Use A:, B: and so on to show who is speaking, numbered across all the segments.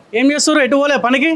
A: ఏం చేస్తారు? ఎటు పోలే పనికి?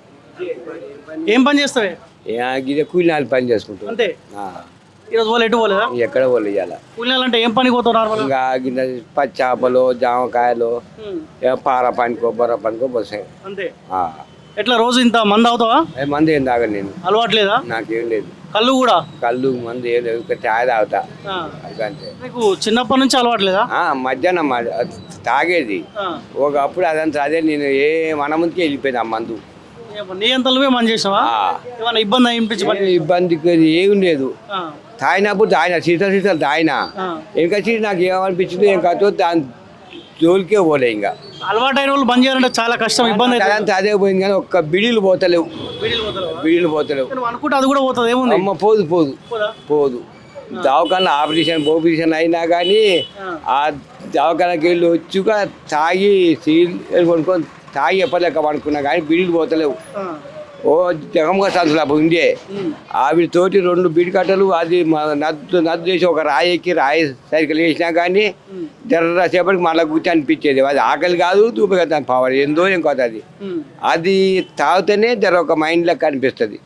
A: ఏం పని చేస్తావే?
B: గిదే కూలినాలు పని చేసుకుంటాం
A: అంతే. ఈరోజు పోలే, ఎటు పోలేదా?
B: ఎక్కడ పోలే ఇవాళ.
A: కూలినాలు అంటే ఏం పనికి పోతావు నార్మల్?
B: ఇంకా గిన్నె పచ్చి చేపలు జామకాయలు పార పనికో బొర్ర పనికో పోసాయి
A: అంతే. ఎట్లా రోజు ఇంత మంది అవుతావా?
B: మంది ఏం తాగను నేను.
A: అలవాట్లేదా?
B: నాకేం లేదు.
A: కళ్ళు కూడా?
B: కళ్ళు మంది ఏం లేదు, చాయ్ తాగుతా అంతే.
A: నీకు చిన్నప్పటి నుంచి అలవాట్లేదా?
B: మధ్యాహ్నం తాగేది ఒకప్పుడు, అదంతా అదే. నేను మన ముందుకే వెళ్ళిపోయింది ఆ మందు.
A: నీ అంతలోనే మంది చేసావా? ఏమన్నా ఇబ్బంది అనిపించి?
B: ఇబ్బందికి ఏం లేదు. తాగినప్పుడు తాగిన సీసాలు తాగిన ఇంకా నాకు ఏమనిపించింది ఏం కాదు, దాని జోలికే పోలే. ఇంకా
A: అలవాటైన వాళ్ళు బంద్ చేయాలంటే చాలా కష్టం, ఇబ్బంది.
B: అదంతా అదే పోయింది కానీ ఒక్క బిడీలు పోతలేవు. బిడీలు పోతలేవు
A: అనుకుంటే అది కూడా పోతుంది. ఏముంది
B: అమ్మ, పోదు. దవాఖాన ఆపరేషన్ అయినా కానీ ఆ దవాఖానకి వెళ్ళి వచ్చుగా తాగి కొనుక్కొని తాగి ఎప్పలేక పడుకున్నా కానీ బిడీలు పోతలేవు. ఓ జగమ్గా సంచులు ఉండే ఆవిడతోటి 2 బీడి కట్టలు అది నద్దు చేసి ఒక రాయి ఎక్కి రాయి సైకిల్ వేసినా కానీ జర్రసేపటికి మళ్ళీ కూర్చొని అనిపించేది. అది ఆకలి కాదు, దూపగా దాని పవర్ ఏందో ఏం కాదు. అది తాగితేనే ఒక మైండ్ లెక్క అనిపిస్తుంది,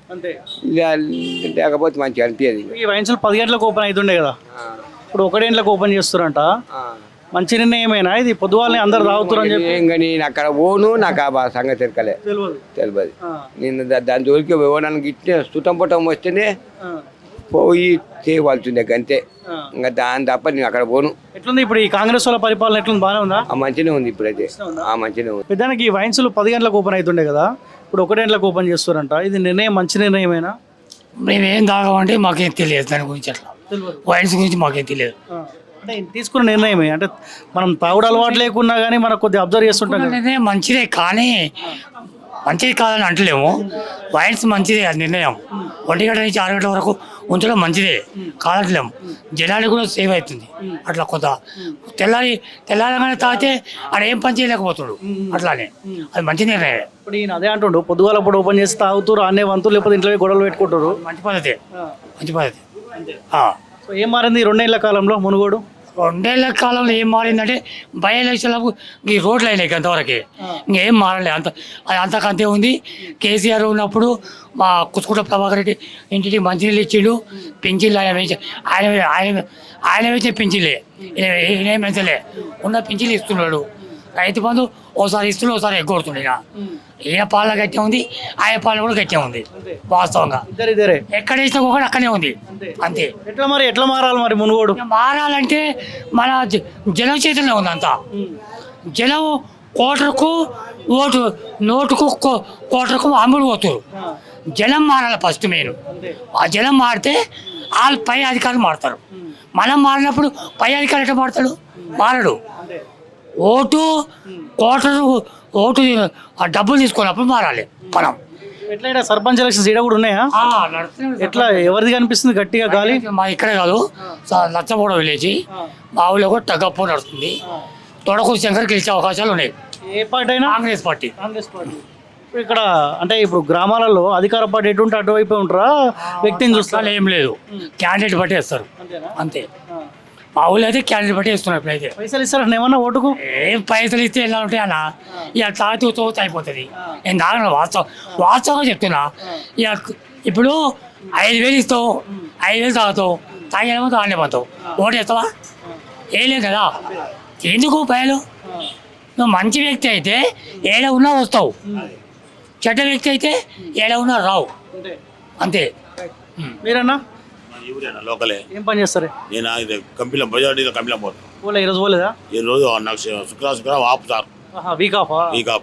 B: లేకపోతే మంచిగా అనిపించేది.
A: ఈ వైన్స్ 10 గంటలకు ఓపెన్ అవుతుండే కదా, ఇప్పుడు 1 గంటలకు ఓపెన్ చేస్తారంట. మంచి నిర్ణయమేనా ఇది? పొద్దువాళ్ళని అందరు తాగుతారు అని చెప్పి
B: ఇంకా నేను అక్కడ ఓను, నాకు ఆ సంగతి తెలియదు. నేను దాని జోలికి ఓనానికి ఇట్టే సుతం పుటం వస్తేనే పోయి చేయవలసిందే అంతే. ఇంకా దాని తప్ప నేను అక్కడ పోను.
A: ఎట్లుంది ఇప్పుడు ఈ కాంగ్రెస్ వాళ్ళ పరిపాలన? ఎట్లుంది? బాగానే ఉందా?
B: మంచిగానే ఉంది ఇప్పుడైతే. మంచిగానే ఉంది.
A: పెద్దానికి ఈ వైన్స్ 10 గంటలకు ఓపెన్ అవుతుండే కదా, ఇప్పుడు 1 గంటలకు ఓపెన్ చేస్తారంట. ఇది నిర్ణయం మంచి నిర్ణయమేనా?
C: మేమేం తాగమంటే మాకేం తెలియదు దాని గురించి. అట్లా వైన్స్ గురించి మాకేం తెలియదు.
A: అంటే తీసుకున్న నిర్ణయమే, అంటే మనం తాగుడు అలవాటు లేకున్నా కానీ మనకు కొద్దిగా అబ్జర్వ్ చేస్తుంటాం.
C: నిర్ణయం మంచిదే కానీ మంచిది కాదని అంటలేము. వైన్స్ మంచిదే అది నిర్ణయం. 1 గంట నుంచి 6 గంటల వరకు ఉంచడం మంచిదే కాదట్లేము. జనానికి కూడా సేవ్ అవుతుంది. అట్లా కొంత తెల్లారగానే తాగితే ఆడ ఏం పని చేయలేకపోతాడు. అట్లానే అది మంచి నిర్ణయం.
A: ఇప్పుడు ఈయన అదే అంటుండు, పొద్దుగాల ఇప్పుడు ఓపెన్ చేసి తాగుతారు అనే వంతులు, లేకపోతే ఇంట్లో గొడవలు పెట్టుకుంటారు.
C: మంచి పద్ధతి.
A: సో ఏం మారింది 2 ఏళ్ల కాలంలో మునుగోడు?
C: 2 ఏళ్ల కాలంలో ఏం మారిందంటే బై ఎలక్షన్లకు ఈ రోడ్లు అయినాయి అంతవరకే, ఇంకేం మారలే. అంతకంతే ఉంది. కేసీఆర్ ఉన్నప్పుడు మా కుసుకుంట ప్రభాకర్ రెడ్డి ఇంటికి మంచినీళ్ళు ఇచ్చిండు, పింఛన్లు ఆయన వేసే పింఛన్లే, ఈయన పెంచలే. ఉన్న పింఛన్లు ఇస్తున్నాడు. రైతు బంధు ఓసారి ఇస్తున్నాడు, ఓసారి ఎగ్గొడుతుండే. ఈయన పాలన గట్టే ఉంది, ఆయన పాలన కూడా గట్టే ఉంది. వాస్తవంగా ఎక్కడ వేసినా ఒకటి అక్కడే ఉంది అంతే.
A: ఎట్లా మారాలి మరి మునుగోడు?
C: మారాలంటే మన జనం చేతుల్లో ఉంది అంతా. జనం కోటరుకు ఓటు, నోటుకు కోటరుకు అమ్ముడు పోతారు. జనం మారాలి ఫస్ట్ మెయిన్. ఆ జనం మారితే వాళ్ళు పై అధికారులు మారుతారు. మనం మారినప్పుడు పై అధికారులు ఎట్లా మారుతాడు? మారడు. ఓటు కోటరు ఓటు డబ్బులు తీసుకున్నప్పుడు మారాలి మనం.
A: ఎట్లా సర్పంచ్ ఎలక్షన్స్ ఈడ కూడా ఉన్నాయా? ఎట్లా ఎవరిది కనిపిస్తుంది గట్టిగా గాలి?
C: మా ఇక్కడే కాదు, లచ్చబోడ విలేజ్ మా ఊళ్ళో కూడా తగ్గప్పు నడుస్తుంది. తొడకూరు శంకర్ గెలిచే అవకాశాలు ఉన్నాయి.
A: ఏ పార్టీ అయినా?
C: కాంగ్రెస్ పార్టీ.
A: ఇక్కడ అంటే ఇప్పుడు గ్రామాలలో అధికార పార్టీ ఎటుంటే అటువైపు ఉంటారా? వ్యక్తిని చూస్తారు?
C: ఏం లేదు, క్యాండిడేట్ బట్టి వేస్తారు అంతే. మా ఊళ్ళో అయితే క్యాండిడేట్ బట్టి వేస్తున్నారు. ఇప్పుడైతే
A: పైసలు ఇస్తారా ఏమన్నా ఓటుకు?
C: ఏం పైసలు ఇస్తే ఎలా ఉంటాయి అన్న? ఇక తాగుతూ అయిపోతుంది. నేను తాగను, వాస్తవంగా చెప్తున్నా. ఇక ఇప్పుడు 5,000 ఇస్తావు, 5,000 తాగుతావు, తాగేమో తాగనే పోతావు. ఓటు వేస్తావా? వేయలేవు కదా. ఎందుకు పైలు? నువ్వు మంచి వ్యక్తి అయితే ఏడ ఉన్నా వస్తావు, చెడ్డ వ్యక్తి అయితే ఏడ ఉన్నా రావు అంతే.
A: మీరన్నా
D: లోకలే
A: ఏం పని చేస్తారు?
D: నేను కంపెనీలో బజార్లో కంపెనీలో పోతాను.
A: ఈరోజు పోలేదా?
D: ఈ రోజు నాకు శుక్రవారం ఆపుతారు.
A: Week off.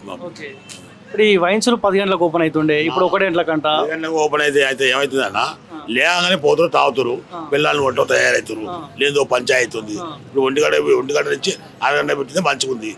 A: ఇప్పుడు ఈ వైన్స్ 10 గంటలకు ఓపెన్ అవుతుండే, ఇప్పుడు 1 గంటలకంట.
D: 10 గంటలకు ఓపెన్ అయితే ఏమవుతుందన్న, లేగానే పోతారు, తాగుతారు, పిల్లల్ని వంట తయారవుతారు, లేదో పంచాయతీ ఉంది. ఇప్పుడు 1 గంట నుంచి 6 గంట పెట్టింది మంచిగా ఉంది.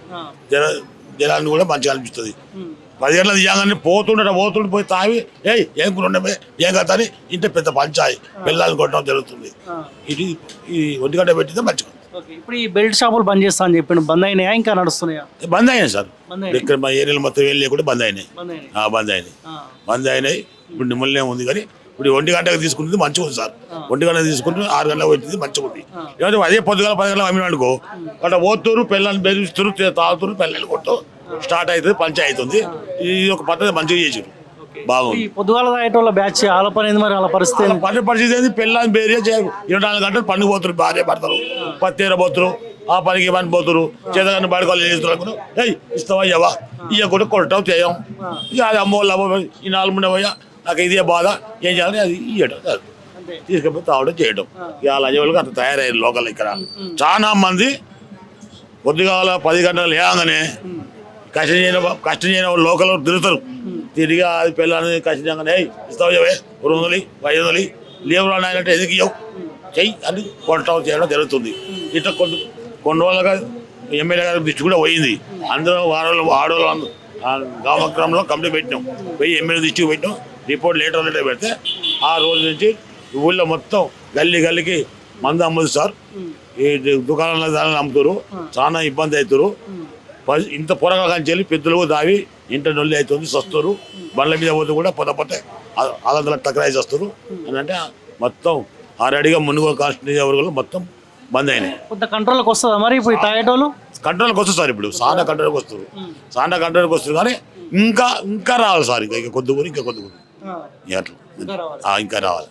D: జనాన్ని కూడా మంచిగా అనిపిస్తుంది. 10 గంటలు తీయగానే పోతుండే పోయి తాగి ఏం కూడా ఏం కదా అని ఇంత పెద్ద పంచాయి పిల్లల్ని కొట్టడం జరుగుతుంది. ఇది ఈ 1 గంట పెట్టిందే మంచిగా.
A: ఇప్పుడు ఈ బెల్ట్ షాపులు బంద్ చేస్తా అని చెప్పి బంద్ అయినాయా ఇంకా నడుస్తున్నాయా?
D: బంద్ అయినాయి సార్. ఇక్కడ మా ఏరియాలో మొత్తం ఏం లేకుండా బంద్ అయినాయి. ఇప్పుడు నిమ్మల్నే ఉంది కానీ ఇప్పుడు 1 గంటకు తీసుకుంటుంది మంచిగా ఉంది సార్. 1 గంటకు తీసుకుంటే 6 గంటలకు పెట్టింది మంచిగా ఉంది. ఏమంటే అదే పొద్దుగాల 10 గంటలకు అమ్మిన అనుకో అట్లా పోతురు పిల్లల్ని బెదిరిస్తురు తాగుతురు పిల్లలు కొట్టు స్టార్ట్ అవుతుంది పంచాయతీ అవుతుంది. ఇది ఒక పద్ధతి మంచిగా చేసారు బాగుంది.
A: ఈ పొద్దుగాల తాగేటోళ్ళ బ్యాచ్ ఆల పని ఏంది మరి, అలా పరిస్థితి ఏంది?
D: పని పరిస్థితి ఏంది పిల్లల్ని బేరియా చేయరు. 24 గంటలు పండుగ పోతురు భార్య భర్తలు పత్తేర పోతురు ఆ పనికి పని పోతురు చేతగాని బయటకోళ్ళు చేస్తున్నారు. ఇస్తావా ఇవ్వవా ఇవ్వకుండా కొట్టడం చేయం ఇక అది అమ్మోళ్ళు అమ్మ ఈ 4 3 పోయా నాకు ఇదే బాధ ఏం చేయాలి అది ఇవ్వడం తీసుకపోయి తాగడం చేయడం. ఇక లంజోళ్ళకి అంత తయారయ్యారు లోకల్. ఇక్కడ చాలా మంది పొద్దుగాల 10 గంటలు లేగానే కష్టం చేయని లోకల్ తిరుగుతారు. తిరిగి అది పిల్లల్ని కష్టంగానే ఇస్తావు ఇవ్వే 200 500 లేవులు అంటే ఎందుకు ఇవ్వవు చెయ్యి అని కొట్టడం చేయడం జరుగుతుంది. ఇట్లా కొన్ని రోజులుగా ఎమ్మెల్యే గారి దృష్టి కూడా పోయింది. అందరూ ఆడవాళ్ళు గ్రామక్రమంలో కంప్లైంట్ పెట్టినాం. పోయి ఎమ్మెల్యే దృష్టికి పెట్టినాం. రిపోర్ట్ లేటర్ పెడితే ఆ రోజు నుంచి ఊళ్ళో మొత్తం గల్లీకి మందు అమ్మదు సార్. ఈ దుకాణాల దాన్ని అమ్ముతారు. చాలా ఇబ్బంది అవుతారు. ఇంత పొరగా కానీ పెద్దలు దావి ఇంట నొల్లి అవుతుంది సస్తారు. బండ్ల మీద పోతే కూడా పొద్దుపోతే అలా టక్రాయి వస్తారు అని అంటే మొత్తం ఆల్రెడీగా మునుగోలు కాన్స్టిట్యూన్సీ వర్గాలు మొత్తం బంద్ అయినాయి.
A: కొంత కంట్రోల్కి వస్తుందా మరి ఇప్పుడు తాగేటోళ్ళు?
D: కంట్రోల్కి వస్తుంది సార్. ఇప్పుడు సానా కంట్రోల్కి వస్తారు. సానా కంట్రోల్కి వస్తుంది కానీ ఇంకా రావాలి సార్. ఇంకా కొద్దిగా అట్లా ఇంకా రావాలి.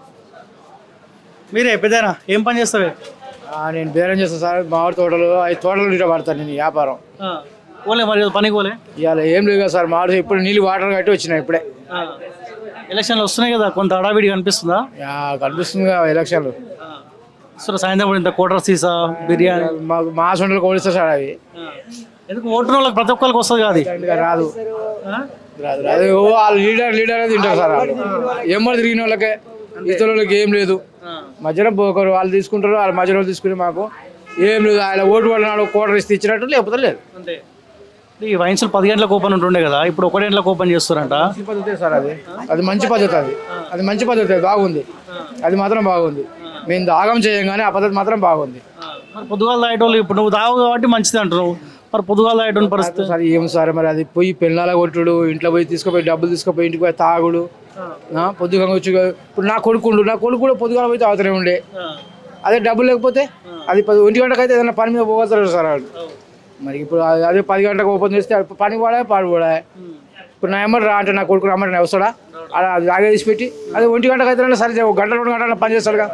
A: మీరే పెద్దనా ఏం పని చేస్తావే?
E: నేను బేరం చేస్తాను సార్. మామిడి తోటలు 5 తోటలు ఇట్లా పడతాను నేను వ్యాపారం.
A: పోలే మరి పనికి పోలే?
E: ఇవాళ ఏం లేదు కదా సార్. మామిడి ఇప్పుడు నీళ్ళు వాటర్ కట్టి వచ్చినాయి. ఇప్పుడే
A: ఎలక్షన్లు వస్తున్నాయి కదా, కొంత హడావిడి కనిపిస్తుందా?
E: కనిపిస్తుంది కదా ఎలక్షన్లు.
A: సాయంత్రం ఇంత కోటర్ సీసా బిర్యానీ
E: మాకు మా సొంతలు కోడిస్తారు సార్. అవి
A: ఎందుకు ఓటర్ వాళ్ళకి ప్రతి ఒక్కరికి వస్తుంది కాదు?
E: రాదు రాదు వాళ్ళు లీడర్ తింటారు సార్. వాళ్ళు ఎమ్మడి తిరిగిన వాళ్ళకే ఇతర వాళ్ళకి ఏం లేదు. మధ్యలో ఒకరు వాళ్ళు తీసుకుంటారు. వాళ్ళ మధ్యలో తీసుకుని మాకు ఏం లేదు. ఆయన ఓటు వాళ్ళ నాడు కోటర్ ఇస్తే ఇచ్చినట్టు లేకపోతే లేదు.
A: ఈ వైన్స్లు 10 గంటలకు ఓపెన్ ఉంటుండే కదా, ఇప్పుడు 1 గంటలకు ఓపెన్ చేస్తారంట.
E: మంచి పద్ధతి సార్. అది మంచి పద్ధతి. అది మంచి పద్ధతి బాగుంది. అది మాత్రం బాగుంది. మేము దాగం చేయం కానీ ఆ పద్ధతి మాత్రం బాగుంది.
A: మరి పొద్దుగాల తాగేటోళ్ళు ఇప్పుడు నువ్వు తాగు కాబట్టి మంచిది అంటున్నావు. మరి పొద్దుగాల తాగేటోని పరిస్థితి
E: సార్ ఏం సార్ మరి అది పోయి పెళ్ళాల కొట్టుడు, ఇంట్లో పోయి తీసుకుపోయి డబ్బులు తీసుకుపోయి ఇంటికి పోయి తాగుడు. పొద్దుగా వచ్చి ఇప్పుడు నా కొడుకు కూడా పొద్దుగాల పోయి తాగుతూనే ఉండే. అదే డబ్బులు లేకపోతే అది 1 గంటకు అయితే ఏదైనా పని మీద పోగలుగుతారు సార్ వాళ్ళు. మరి ఇప్పుడు అదే 10 గంటలకు ఓపెన్ చేస్తే పని కూడా పాడు కూడా. ఇప్పుడు నా ఎమ్మటి రా అంటే నా కొడుకు రమ్మంటే వస్తాడా? అలా అది లాగే తీసి పెట్టి అదే 1 గంటకు అయితే సరే 1 గంట 2 గంటల పని చేస్తాడుగా.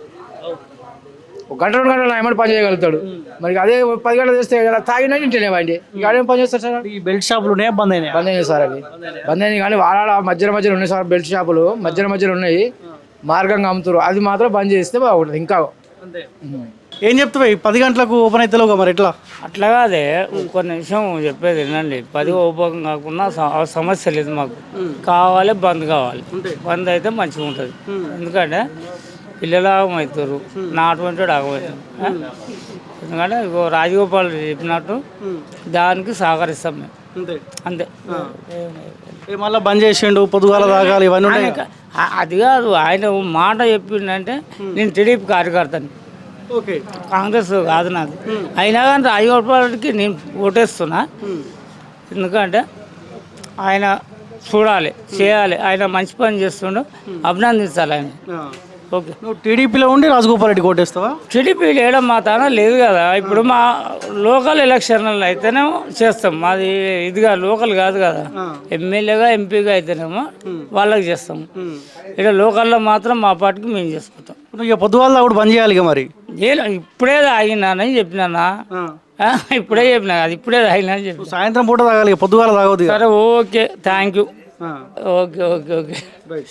E: 1 గంట 2 గంటలు నా ఎమ్మటి పని చేయగలుగుతాడు. మరి అదే 10 గంటలు చేస్తే తాగినా ఇంటేనేవండి. ఇక అదేం పని చేస్తారు సార్?
A: ఈ బెల్ట్ షాపులు బంద్ అయినాయి
E: సార్. అవి బంద్ అయినాయి కానీ వాళ్ళ మధ్యలో ఉన్నాయి సార్. బెల్ట్ షాపులు మధ్యలో ఉన్నాయి. మార్గంగా అమ్ముతారు. అది మాత్రం బంద్ చేస్తే బాగుంటుంది. ఇంకా
A: ఏం చెప్తావు? 10 గంటలకు ఓపెన్ అవుతావు మరి ఎట్లా?
F: అట్లా కాదే ఒక్క నిమిషం చెప్పేది వినండి. 10 ఓపెన్ కాకుండా సమస్య లేదు మాకు. కావాలి బంద్ కావాలి. బంద్ అయితే మంచిగా ఉంటుంది. ఎందుకంటే పిల్లలు ఆగమవుతారు. నా అటువంటి ఆగమవుతారు. ఎందుకంటే ఇగో రాజగోపాల్ చెప్పినట్టు దానికి సహకరిస్తాం మేము. అంతే.
A: మళ్ళీ బంద్ చేసిండు పొద్దుగాల తాగాలి ఇవన్నీ.
F: అది కాదు, ఆయన మాట చెప్పిండంటే నేను టీడీపీ కార్యకర్తని, కాంగ్రెస్ కాదు నాది. అయినా కానీ రాజగోపాల్కి నేను ఓటేస్తున్నా. ఎందుకంటే ఆయన చూడాలి, చేయాలి. ఆయన మంచి పని చేస్తుండో అభినందించాలి ఆయన. ఓకే.
A: నువ్వు టీడీపీలో ఉండి రాజగోపాల్ రెడ్డి కోటేస్తావా?
F: టీడీపీ లేయడం మా తాన లేదు కదా. ఇప్పుడు మా లోకల్ ఎలక్షన్లలో అయితేనే చేస్తాం. మాది ఇదిగా లోకల్ కాదు కదా. ఎమ్మెల్యేగా ఎంపీగా అయితేనేమో వాళ్ళకి చేస్తాం. ఇక్కడ లోకల్లో మాత్రం మా పార్టీకి మేము చేసుకుంటాం.
A: ఇక పొద్దుగాల కూడా బంద్ చేయాలి. మరి
F: ఇప్పుడే తాగినానని చెప్పినా. ఇప్పుడే చెప్పినా అది ఇప్పుడే తాగినా అని చెప్పి.
A: సాయంత్రం పూట తాగాలి, పొద్దుగాల తాగదు.
F: సరే okay, thank you. Okay okay okay.